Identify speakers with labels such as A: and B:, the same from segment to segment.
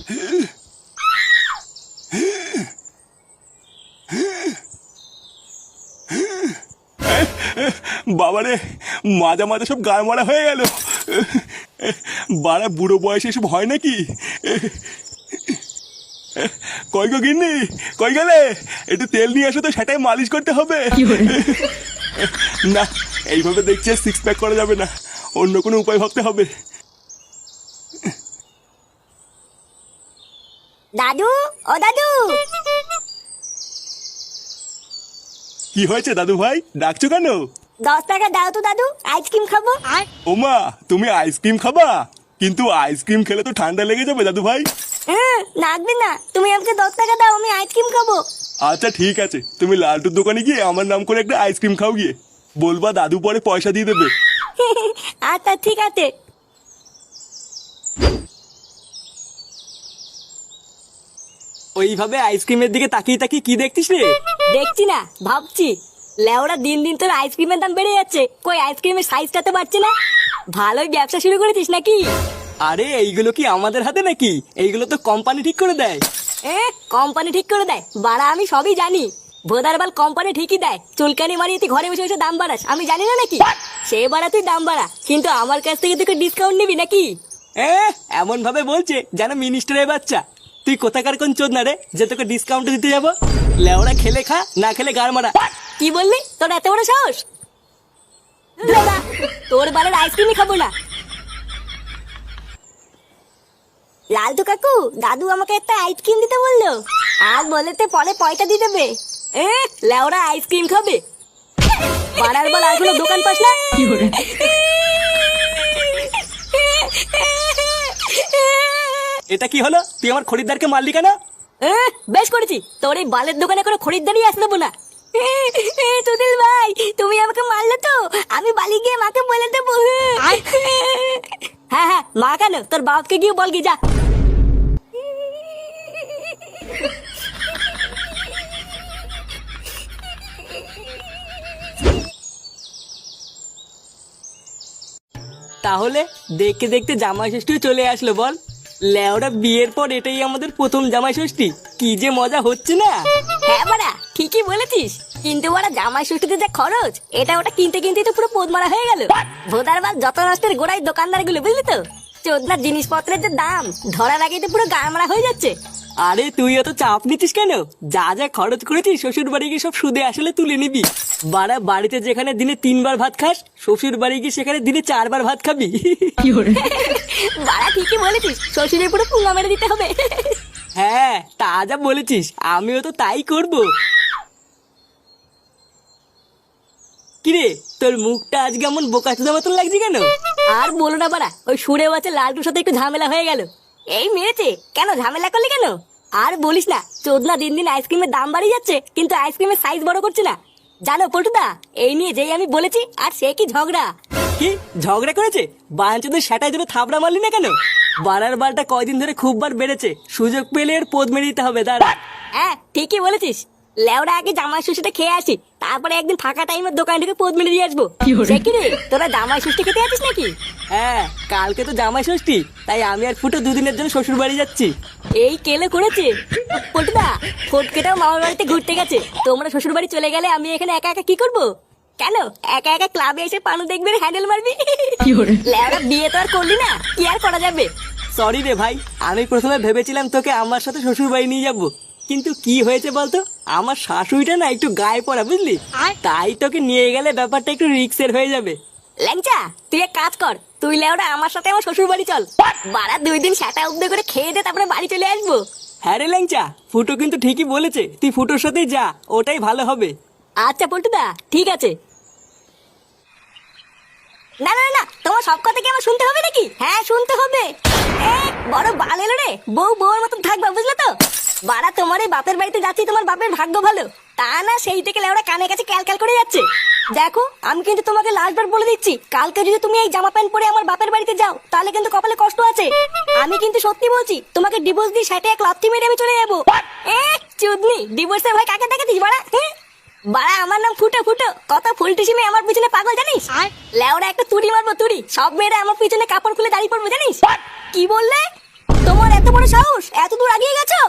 A: বাবারে, মাজা মাজা সব গায়ে মারা হয়ে গেল। বাড়া বুড়ো বয়সে এসব হয় নাকি? কই গো গিন্নি, কই গেলে? একটু তেল নিয়ে আসো তো, সেটাই মালিশ করতে হবে। না, এইভাবে দেখছি সিক্স প্যাক করা যাবে না, অন্য কোনো উপায় ভাবতে হবে।
B: দাদু, ও দাদু।
A: কি হয়েছে দাদু ভাই, ডাকছো কেন?
B: 10 টাকা দাও তো দাদু, আইসক্রিম খাবো।
A: ওমা, তুমি আইসক্রিম খাবা? কিন্তু আইসক্রিম খেলে তো ঠান্ডা লেগে যাবে দাদু ভাই।
B: লাগবে না, তুমি আমাকে 10 টাকা দাও, আমি আইসক্রিম খাবো।
A: আচ্ছা ঠিক আছে, তুমি লালটুর দোকানে গিয়ে আমার নাম করে একটা আইসক্রিম খাও গিয়ে। বলবা দাদু পরে পয়সা দিয়ে দেবে।
B: আচ্ছা ঠিক আছে।
C: ওইভাবে আইসক্রিমের দিকে তাকিয়ে তাকিয়ে কি দেখছিস রে?
B: দেখছি না, ভাবছি। লেওরা দিন দিন তোর আইসক্রিমের দাম বেড়ে যাচ্ছে, কই আইসক্রিমের সাইজটা তো বাড়ছে না। ভালোই ব্যবসা শুরু করেছিস নাকি?
C: আরে এইগুলো কি আমাদের হাতে নাকি? এইগুলো তো কোম্পানি ঠিক করে দেয়।
B: কোম্পানি ঠিক করে দেয়? বাড়া আমি সবই জানি। ভোদারবাল কোম্পানি ঠিকই দেয়, চুলকানি মারিয়ে তুই ঘরে বসে বসে দাম বাড়াস, আমি জানি না নাকি? সে বাড়া তুই দাম বাড়া, কিন্তু আমার কাছ থেকে তুই ডিসকাউন্ট নিবি নাকি?
C: এমন ভাবে বলছে যেন মিনিস্টারের বাচ্চা। তুই কোথাকার কোন চোদ না রে যে তোকে ডিসকাউন্ট দিতে যাবো? লেওড়া খেলে খা, না খেলে গাড় মারা।
B: কি বললি? তোর এত বড় সাহস? লেওড়া, তোর বালের আইসক্রিমই খাবো না। লালটু কাকু, দাদু আমাকে একটা আইসক্রিম দিতে বললো, আর বলেতে পরে পয়সা দিয়ে দেবে। লেওড়া আইসক্রিম খাবে? বাড়ার বল আর কোনো দোকান পাস না?
C: এটা কি হলো? তুই আমার খরিদ্দারকে মারলি কেন?
B: বেশ করেছি, তোর এই বালের দোকানে কোনো খরিদ্দারই আসতে দেবো না। তুদিল ভাই, তুমি আমাকে মারলে তো, আমি বালি গিয়ে মাকে বলে দেবো। হ্যাঁ হ্যাঁ, মা কেন, তোর বাপকে গিয়ে বল গিয়ে যা।
C: তাহলে দেখতে দেখতে জামাই ষষ্ঠীও চলে আসলো বল। লেওরা বিয়ের পর এটাই আমাদের প্রথম জামাই ষষ্ঠী, কি যে মজা হচ্ছে না।
B: হ্যাঁ বাড়া, ঠিকই বলেছিস, কিন্তু বাড়া জামাই ষষ্ঠীতে যা খরচ, এটা ওটা কিনতে কিনতেই তো পুরো পোদ মারা হয়ে গেল। ভোদার বাল যত নষ্টের গোড়ায় দোকানদার গুলো, বুঝলি তো? চোদনার জিনিসপত্রের যে দাম, ধরার আগেই তো পুরো গা মারা হয়ে যাচ্ছে।
C: আরে তুই অত চাপ নিচ্ছিস কেন? যা যা খরচ করেছিস শ্বশুর বাড়ি গিয়ে সব সুদে আসলে তুলে নিবি। বাড়া বাড়িতে যেখানে দিনে 3 বার ভাত খাস, শ্বশুর বাড়ি গিয়ে সেখানে দিনে 4 বার ভাত খাবি।
B: বাড়া ঠিকই বলেছিস, শ্বশুরের পুরো পুঙ্গা মেরে দিতে হবে।
C: হ্যাঁ তা যা বলেছিস, আমিও তো তাই করব। কিরে, তোর মুখটা আজকে এমন বোকাচোদা মতন লাগছে কেন?
B: আর বলো না বাড়া, ওই সুরে বাচ্চা লালটুর সাথে একটু ঝামেলা হয়ে গেল। এই মেরেছে কেন, ঝামেলা করলি কেন? আর বলিস না, চোদনা দিন দিন আইসক্রিমের দাম বাড়িয়ে যাচ্ছে, কিন্তু আইসক্রিমের সাইজ বড় করছে না। জানো পল্টুদা, এই নিয়ে যেই আমি বলেছি, আর সে কি ঝগড়া।
C: কি ঝগড়া করেছে? বাঞ্চদের সেটাই ধরে থাবড়া মারলি না কেন? বাড়ার বালটা কয়দিন ধরে খুব বার বেড়েছে, সুযোগ পেলে এর পোদ মেরে দিতে হবে। দাঁড়া।
B: হ্যাঁ ঠিকই বলেছিস, লেওড়া আগে জামাই ষষ্ঠীটা খেয়ে আসি, তারপরে একদিন ফাঁকা টাইমের দোকান থেকে পোদ মেরে দিয়ে আসবো। সে কি রে, তোরা জামাই ষষ্ঠী খেতে আছিস নাকি?
C: হ্যাঁ, কালকে তো জামাই ষষ্ঠী, তাই আমি আর ফুটো দুদিনের জন্য শ্বশুর বাড়ি যাচ্ছি।
B: এই কেলে করেছে পল্টুদা, ফটকেটাও মামার বাড়িতে ঘুরতে গেছে, তোমরা শ্বশুর বাড়ি চলে গেলে আমি এখানে একা একা কি করবো? কেন একা একা ক্লাবে এসে পানু দেখবে, হ্যান্ডেল মারবি? লেওড়া বিয়ে তো আর করলি না, কি আর করা যাবে।
C: সরি রে ভাই, আমি প্রথমে ভেবেছিলাম তোকে আমার সাথে শ্বশুর বাড়ি নিয়ে যাবো, কিন্তু কি হয়েছে বলতো, আমার শাশুড়িটা না একটু গায়ে পড়া, বুঝলি? তাই তোকে নিয়ে গেলে ব্যাপারটা একটু রিস্কের হয়ে যাবে।
B: ল্যাংচা, তুই এক কাজ কর, তুই লেওড়া আমার সাথে আমার শ্বশুর বাড়ি চল। বাড়া 2 দিন সাটা উদ্দ করে খেয়ে দে, তারপরে বাড়ি চলে আসবো।
C: হ্যাঁ রে ল্যাংচা, ফুটো কিন্তু ঠিকই বলেছে, তুই ফুটোর সাথেই যা, ওটাই ভালো হবে।
B: আচ্ছা পল্টুদা, ঠিক আছে। না না না, তোমার সব কথা কি আমার শুনতে হবে নাকি? হ্যাঁ শুনতে হবে। বড় বাল এলো রে, বউ বউর মতন থাকবা, বুঝলে তো? বাড়া তোমার এই বাপের বাড়িতে যাচ্ছি, তোমার বাপের ভাগ্য ভালো, তা না সেই থেকে লেওড়া কানের কাছে ক্যালক্যাল করে যাচ্ছে। দেখো, আমি কিন্তু তোমাকে লাস্টবার বলে দিচ্ছি, কালকে যদি তুমি এই জামা প্যান্ট পরে আমার বাপের বাড়িতে যাও, তাহলে কিন্তু কপালে কষ্ট আছে। আমি কিন্তু সত্যি বলছি, তোমাকে ডিভোর্স দিয়ে সেটা এক লাথি মেরে আমি চলে যাবো। চুদনি, ডিভোর্সের ভয় কাকে দেখাতিস বাড়া? বাড়া আমার নাম ফুটো, ফুটো কত ফুলটিসিমে আমার পিছনে পাগল জানিস? লেওড়া একটা তুড়ি মারবো, তুড়ি, সব মেয়েরা আমার পিছনে কাপড় খুলে দাঁড়িয়ে পড়বো জানিস? কি বললে? তোমার এত বড় সাহস, এত দূর আগিয়ে গেছো?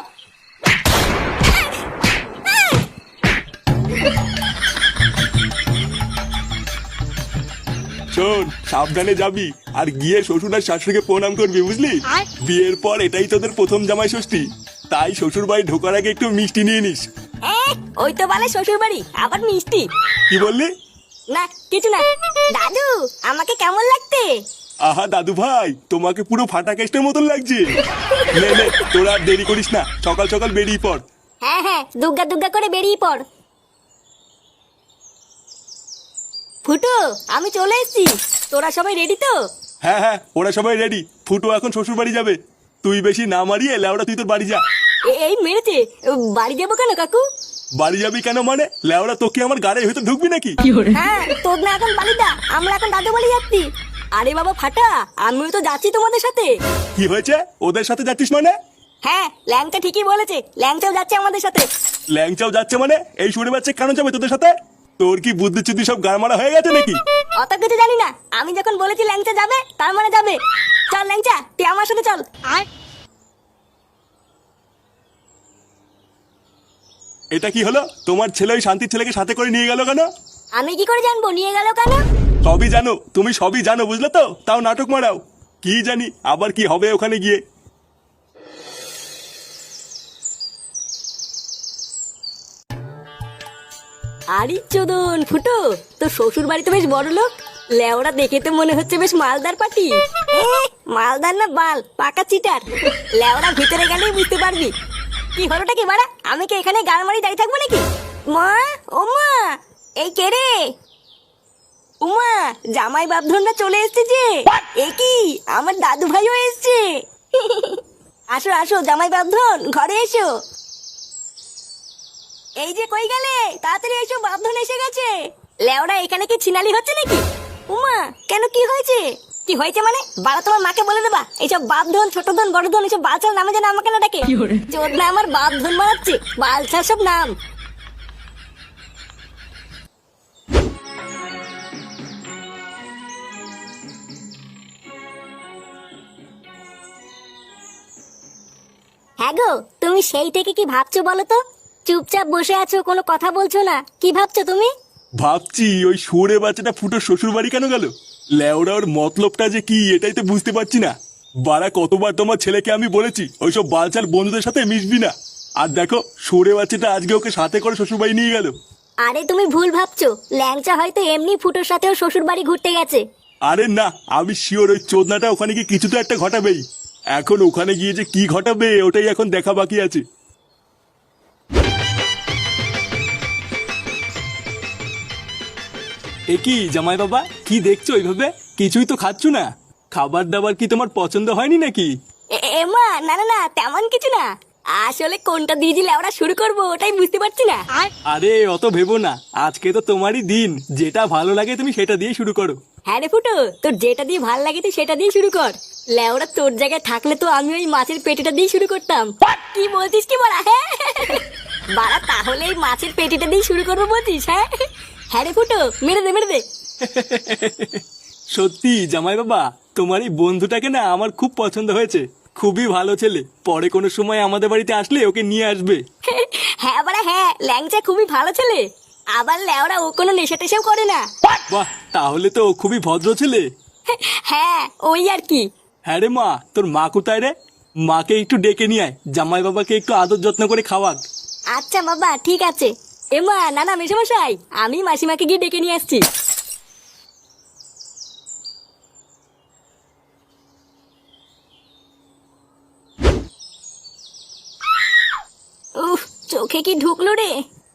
A: শোন, সাবধানে যাবি, আর গিয়ে শ্বশুর আর শাশুড়িকে প্রণাম করবি, বুঝলি? বিয়ের পর এটাই তোদের প্রথম জামাই ষষ্ঠী, তাই শ্বশুর বাড়ি ঢোকার আগে একটু মিষ্টি নিয়ে নিস।
B: ওই তো বলে শ্বশুর বাড়ি, আবার মিষ্টি?
A: কি বললি?
B: না কিছু না। দাদু, আমাকে কেমন লাগতে?
A: আহা দাদু ভাই, তোমাকে পুরো ফাটা কেস্টের মতন লাগছে। নে নে, তোরা আর দেরি করিস না, সকাল সকাল বেরিয়ে পড়।
B: হ্যাঁ হ্যাঁ, দুগ্গা দুগ্গা করে বেরিয়ে পড়। ফুটু, আমি চলে এসেছি, তোরা সবাই রেডি তো?
A: হ্যাঁ হ্যাঁ, ওরা সবাই রেডি। ফুটো এখন শ্বশুর বাড়ি যাবে, তুই বেশি না মারিয়ে লেওড়া তুই তোর বাড়ি যা।
B: এই মেরেছে, বাড়ি যাবো কেন কাকু?
A: বাড়ি যাবি কেন মানে? লেওড়া তোকে আমার গাড়ির ভিতর ঢুকবি নাকি?
B: হ্যাঁ, তোর না এখন বাড়িটা, আমরা এখন দাদু বাড়ি যাচ্ছি। আরে বাবা ফাটা, আমিও তো যাচ্ছি তোমাদের সাথে।
A: কি হয়েছে? ওদের সাথে যাচ্ছিস মানে?
B: হ্যাঁ, ল্যাংচা ঠিকই বলেছে, ল্যাংচাও যাচ্ছে আমাদের সাথে।
A: ল্যাংচাও যাচ্ছে মানে? এই শুনে বাচ্চা কেন যাবে তোদের সাথে? তোর কি বুদ্ধি চুদ্ধি সব গাড়মারা হয়ে গেছে নাকি?
B: অত কিছু জানি না, আমি যখন বলেছি ল্যাংচা যাবে তার মানে যাবে। চল ল্যাংচা, তুই আমার সাথে চল।
A: এটা কি হলো? তোমার ছেলে ওই শান্তির ছেলেকে সাথে করে নিয়ে গেল কেন?
B: আমি কি করে জানবো নিয়ে গেল কেন?
A: সবই জানো, তুমি সবই জানো, বুঝলে তো? তাও নাটক মারাও। কি জানি আবার কি হবে ওখানে গিয়ে।
B: আরে চোদন ফুটো, তোর শ্বশুর বাড়ি তো বেশ বড় লোক, লেওরা দেখে তো মনে হচ্ছে বেশ মালদার পাটি। মালদার না বাল, পাকা চিটার। লেওরা ভিতরে গেলেই বুঝতে পারবি। কি হলোটা কি বাড়া, আমি কি এখানে গান মারি দাঁড়িয়ে থাকবো নাকি? মা, ও মা, এই কে রে? উমা, জামাই বাপধনরা চলে এসছে যে। এ কি, আমার দাদু ভাইও এসছে। আসো আসো জামাই বাপধন, ঘরে এসো। এই যে কই গেলে, তাড়াতাড়ি এসো, বাপধন এসে গেছে। লেওড়া এখানে কি ছিনালি হচ্ছে নাকি? উমা, কেন কি হয়েছে? কি হয়েছে মানে? বাড়া তোমার মাকে বলে দেবা এইসব বাপধন, ছোট ধন, বড় ধন এইসব বালছাল নামে যেন আমাকে না ডাকে। চোদনা আমার বাপধন মারাচ্ছে, বালছাল সব নাম। হ্যাঁ গো, তুমি সেই থেকে কি ভাবছো বলো তো? চুপচাপ বসে আছো, কোনো কথা বলছো না, কি ভাবছো তুমি?
A: ভাবছি ওই শুয়োরে বাচ্চাটা ফুটো শ্বশুর বাড়ি কেন গেল। লেওড়া ওর মতলবটা যে কি এটাই তো বুঝতে পারছি না। বাড়া কতবার তোমার ছেলেকে আমি বলেছি ওইসব বালচাল বন্ধুদের সাথে মিশবি না, আর দেখো শুয়োরে বাচ্চাটা আজকে ওকে সাথে করে শ্বশুর বাড়ি নিয়ে গেল।
B: আরে তুমি ভুল ভাবছো, ল্যাংচা হয়তো এমনি ফুটোর সাথেও শ্বশুর বাড়ি ঘুরতে গেছে।
A: আরে না, আমি শিওর ওই চোদনাটা ওখানে গিয়ে কিছু তো একটা ঘটাবেই। এখন ওখানে গিয়ে যে কি ঘটাবে ওটাই এখন দেখা বাকি আছে। এ কি জামাই বাবা, কি দেখছো ওইভাবে? কিছুই তো খাচ্ছ না। খাবার দাবার কি তোমার পছন্দ হয়নি নাকি?
B: এমা, না না না, তেমন কিছু না। আসলে কোনটা দিয়ে দিলে আমরা শুরু করবো ওটাই বুঝতে পারছি না।
A: আরে অত ভেবো না, আজকে তো তোমারই দিন, যেটা ভালো লাগে তুমি সেটা দিয়ে শুরু করো।
B: হ্যাঁ রে ফুটো, তোর যেটা দিয়ে ভাল লাগে তুই সেটা দিয়ে শুরু কর। লেওরা তোর জায়গায় থাকলে তো আমি ওই মাছের পেটিটা দিয়ে শুরু করতাম। কি বলছিস কি বলা? হ্যাঁ বাড়া, তাহলে এই মাছের পেটিটা দিয়ে শুরু করবো বলছিস? হ্যাঁ হ্যাঁ রে ফুটো, মেরে দে মেরে দে।
A: সত্যি জামাই বাবা, তোমার এই বন্ধুটাকে না আমার খুব পছন্দ হয়েছে, খুবই ভালো ছেলে। পরে কোনো সময় আমাদের বাড়িতে আসলে ওকে নিয়ে আসবে।
B: হ্যাঁ বাড়া হ্যাঁ, ল্যাংচা খুবই ভালো ছেলে। আবার লেওরা ও কোনো নেশা টেশাও করে না।
A: বাহ, তাহলে তো ও খুবই ভদ্র ছেলে।
B: হ্যাঁ ওই আর কি।
A: হ্যাঁ রে মা, তোর মা কোথায় রে? মাকে একটু ডেকে নিয়ে আয়, জামাই বাবাকে একটু আদর যত্ন করে খাওয়াক।
B: আচ্ছা বাবা ঠিক আছে। এমা, না না মেশামশাই, আমি মাসিমাকে গিয়ে ডেকে নিয়ে আসছি। উফ, চোখে কি ঢুকলো রে?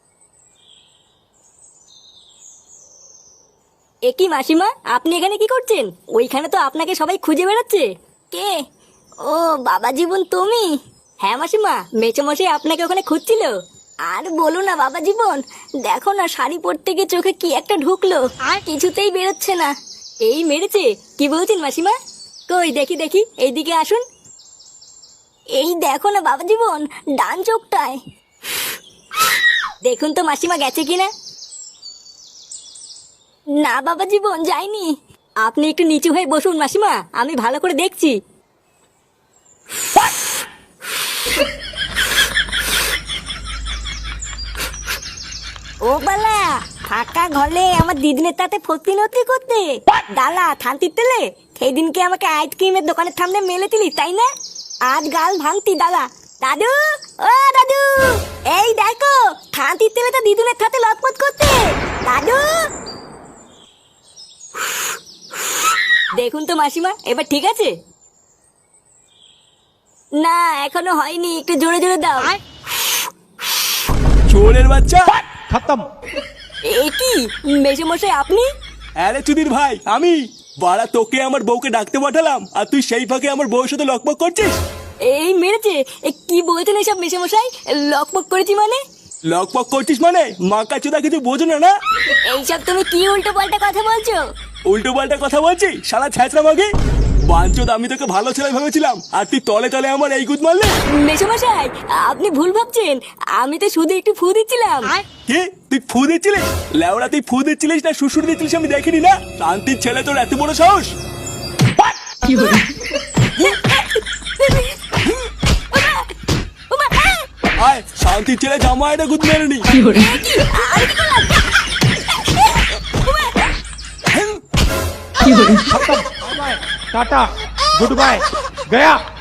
B: এ কি মাসিমা, আপনি এখানে কি করছেন? ওইখানে তো আপনাকে সবাই খুঁজে বেড়াচ্ছে। কে? ও বাবা জীবন, তুমি? হ্যাঁ মাসিমা, মেচোমশাই আপনাকে ওখানে খুঁজছিল। আর বলো না বাবা জীবন, দেখো না শাড়ি পরতে গিয়ে চোখে কি একটা ঢুকলো, আর কিছুতেই বেরোচ্ছে না। এই মেরেছে? কি বলছেন মাসিমা? কই দেখি দেখি, এইদিকে আসুন। এই দেখো না বাবা জীবন, ডান চোখটায়। দেখুন তো মাসিমা গেছে কিনা। না বাবা জীবন, যাইনি। আপনি একটু নিচু হয়ে বসুন মাসিমা, আমি ভালো করে দেখছি। ও বালা, ফাঁকা ঘরে আমার দিদিনের তাতে ফতি নতি করতে ডালা থানতি তেলে সেই দিনকে আমাকে আইসক্রিমের দোকানের সামনে মেলে দিলি তাই না? আজ গাল ভাঙতি ডালা। দাদু, ও দাদু, এই দেখো থানতি তেলে তো দিদুনের সাথে লটপট করতে। দাদু, দেখুন তো মাসিমা, এবার ঠিক আছে? না এখনো হয়নি, একটু জোরে জোরে দাও।
A: চোরের বাচ্চা!
D: खत्म।
B: এ কি মেসোমশাই আপনি?
A: আরে চুদির ভাই, আমি বাড়া তোকে আমার বউকে ডাকতে পাঠালাম আর তুই সেই ফাঁকে আমার বউয়ের সাথে লকপক করছিস।
B: এই মেরেছে? কি বলছেন এসব মেসোমশাই? লকপক করেছি মানে?
A: লকপক করছিস মানে মাকা চোদা কিছু বোঝো না? না
B: এইসব তুমি কি উল্টো পাল্টা কথা বলছো?
A: উল্টো পাল্টা কথা বলছি শালা ছ্যাঁচড়া মাগি বাঞ্চোদ। আমি তোকে ভালো ছেলে ভেবেছিলাম আর তুই তলে তলে আমার এই গুদ মারলে।
B: মেসোমশাই আপনি ভুল ভাবছেন, আমি তো শুধু একটু ফু দিচ্ছিলাম।
A: কি তুই ফু দিচ্ছিলিস? লেওড়া তুই ফু দিচ্ছিলিস না শ্বশুর দিচ্ছিলিস আমি দেখিনি না? শান্তির ছেলে তোর এত বড় সাহস! আয় শান্তির ছেলে জামা এটা গুদ মেরে নি।
D: खत्म। Bye bye, tata, goodbye, गया।